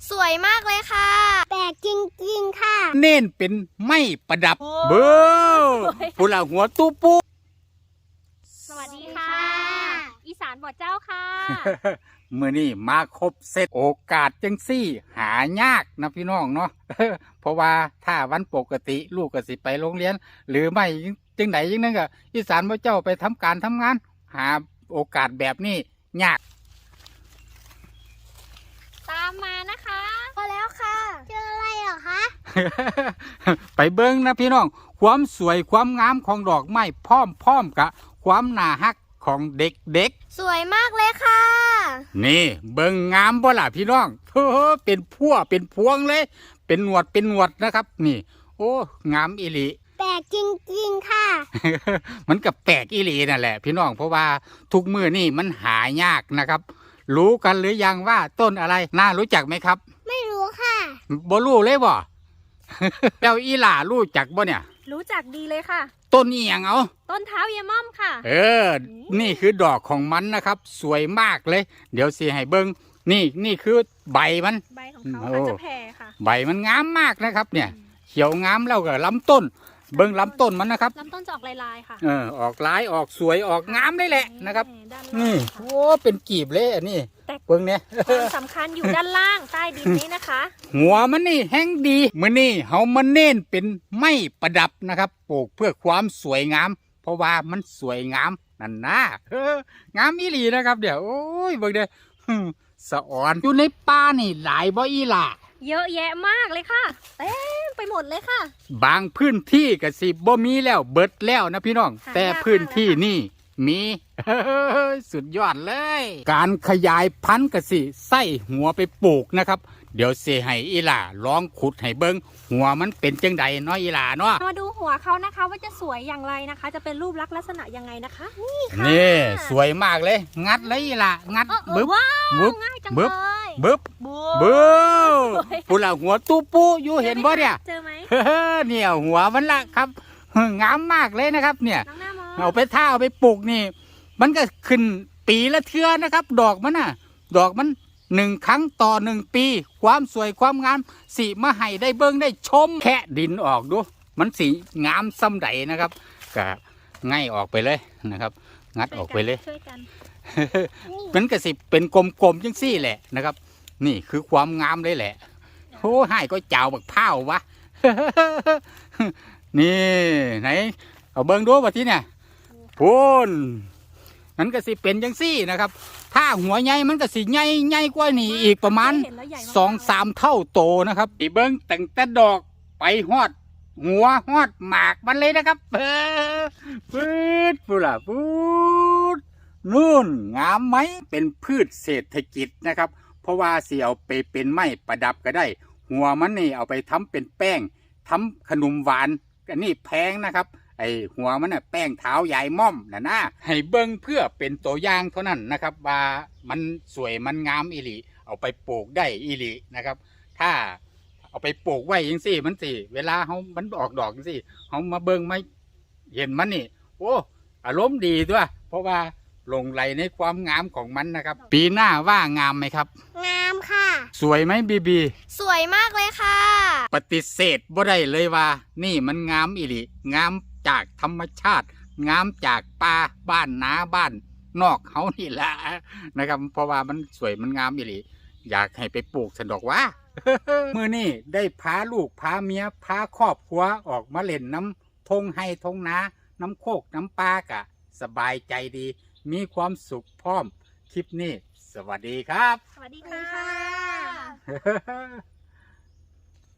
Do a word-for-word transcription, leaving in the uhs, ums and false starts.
สวยมากเลยค่ะแปลกจริงๆค่ะเน้นเป็นไม้ประดับเบ้อผู้ละหัวตู้ปูสวัสดีค่ะอีสานบ่อเจ้าค่ะเมื่อนี้มาครบเซตโอกาสจังซี่หายากนะพี่น้องเนาะเพราะว่าถ้าวันปกติลูกก็สิไปโรงเรียนหรือไม่จังไหนยังนั่นก็อีสานบ่เจ้าไปทำการทำงานหาโอกาสแบบนี้ยากตามมานะคะพอแล้วค่ะเจออะไรเหรอคะไปเบิ้งนะพี่น้องความสวยความงามของดอกไม้พร้อมๆกับความน่าฮักของเด็กๆสวยมากเลยค่ะนี่เบิ้งงามบ่ล่ะพี่น้องเฮ้อเป็นพั่วเป็นพวงเลยเป็นหนวดเป็นหนวดนะครับนี่โอ้งามอีหลีแปลกจริงๆค่ะมันกับแปลกอีหลีนั่นแหละพี่น้องเพราะว่าทุกมือนี่มันหายากนะครับรู้กันหรือยังว่าต้นอะไรน่ารู้จักไหมครับไม่รู้ค่ะบ่รู้เลยบ่ แล้วอีหล่ารู้จักบ่เนี่ยรู้จักดีเลยค่ะต้นอีหยังเอาต้นเท้าเยม่อมค่ะเออนี่คือดอกของมันนะครับสวยมากเลยเดี๋ยวสิให้เบิ้งนี่นี่คือใบมันใบของเขาค่ะจะแผ่ค่ะใบมันงามมากนะครับเนี่ยเขียวงามแล้วก็ลำต้นเบิ้งลำต้นมันนะครับลำต้นจะออกลายๆค่ะเออออกลายออกสวยออกงามเลยแหละนะครับนี่โอ้เป็นกีบเลยอันนี้เบิ้งเนี่ยความสำคัญอยู่ด้านล่างใต้ดินนี้นะคะหัวมันนี่แห้งดีมื้อนี้เฮามาเน้นเป็นไม้ประดับนะครับปลูกเพื่อความสวยงามเพราะว่ามันสวยงามนั่นนะเอองามอีหลีนะครับเดี๋ยวโอ้ยเบิ่งเด้อสะอ่อนอยู่ในป่านี่หลายบ่อีหล่ะเยอะแยะมากเลยค่ะเต็มไปหมดเลยค่ะบางพื้นที่ก็สิบ่มีแล้วเบิดแล้วนะพี่น้องแต่พื้นที่นี่มีสุดยอดเลยการขยายพันธุ์ก็สิใส่หัวไปปลูกนะครับเดี๋ยวเสให้อีหล่าลองขุดให้เบิ้งหัวมันเป็นจังใดเนาะอีหล่าเนาะมาดูหัวเขานะคะว่าจะสวยอย่างไรนะคะจะเป็นรูปลักษณ์ลักษณะยังไงนะคะนี่ค่ะนี่สวยมากเลยงัดเลยอีหล่างัดบึ๊บบึ๊บง่ายจังเลยบึ๊บบึ๊บผู้ละหัวตู้ปูอยู่เห็นบ่เนี่ยเจอไหมเนี่ยหัวมันละครับงามมากเลยนะครับเนี่ยเอาไปท่าเอาไปปลูกนี่มันก็ขึ้นปีละเทื่อนะครับดอกมันน่ะดอกมันหนึ่งครั้งต่อหนึ่งปีความสวยความงามสีมาให้ได้เบิ้งได้ชมแค่ดินออกดูมันสีงามซ้ำใดนะครับก็ง่ายออกไปเลยนะครับงัดออกไปเลยมันก็สิเป็นกลมๆจังซี่แหละนะครับนี่คือความงามเลยแหละโอ้ให้ก็เจ้าบักเผาวะนี่ไหนเอาเบิ้งดูว่าที่เนี่ยพูนนั้นก็สิเป็นจังซี่นะครับถ้าหัวใหญ่มันก็สิใหญ่ใหญ่กว่านี้อีกประมาณสองสามเท่าโตนะครับอีเบิ้งตั้งแต่ดอกไปฮอดหัวฮอดหมากมันเลยนะครับเออปืดปูล่ะปืดนู่นงามไหมเป็นพืชเศรษฐกิจนะครับเพราะว่าสิเอาไปเป็นไม้ประดับก็ได้หัวมันนี่เอาไปทำเป็นแป้งทำขนมหวานอันนี้แพงนะครับไอหัวมันน่ะแป้งเท้ายายม่อมนะนะให้เบิ้งเพื่อเป็นตัวอย่างเท่านั้นนะครับว่ามันสวยมันงามอีหลีเอาไปปลูกได้อีหลีนะครับถ้าเอาไปปลูกไว้ยังสิมันสิเวลาเขามันออกดอกยังสิเขามาเบิ้งไม่เห็นมันนี่โอ้อารมณ์ดีด้วยเพราะว่าหลงไหลในความงามของมันนะครับปีหน้าว่างามไหมครับงามค่ะสวยไหมบีบีสวยมากเลยค่ะปฏิเสธบ่ได้เลยว่านี่มันงามอีหลีงามจากธรรมชาติงามจากป่าบ้านนาบ้านนอกเขานี่แหละนะครับเพราะว่ามันสวยมันงามอีหลีอยากให้ไปปลูกสะดอกว่าเมื่อนี่ได้พาลูกพาเมียพาครอบครัวออกมาเล่นน้ำทงไห้ทงนาน้ำโคกน้ำปลากะสบายใจดีมีความสุขพร้อมคลิปนี้สวัสดีครับสวัสดีค่ะ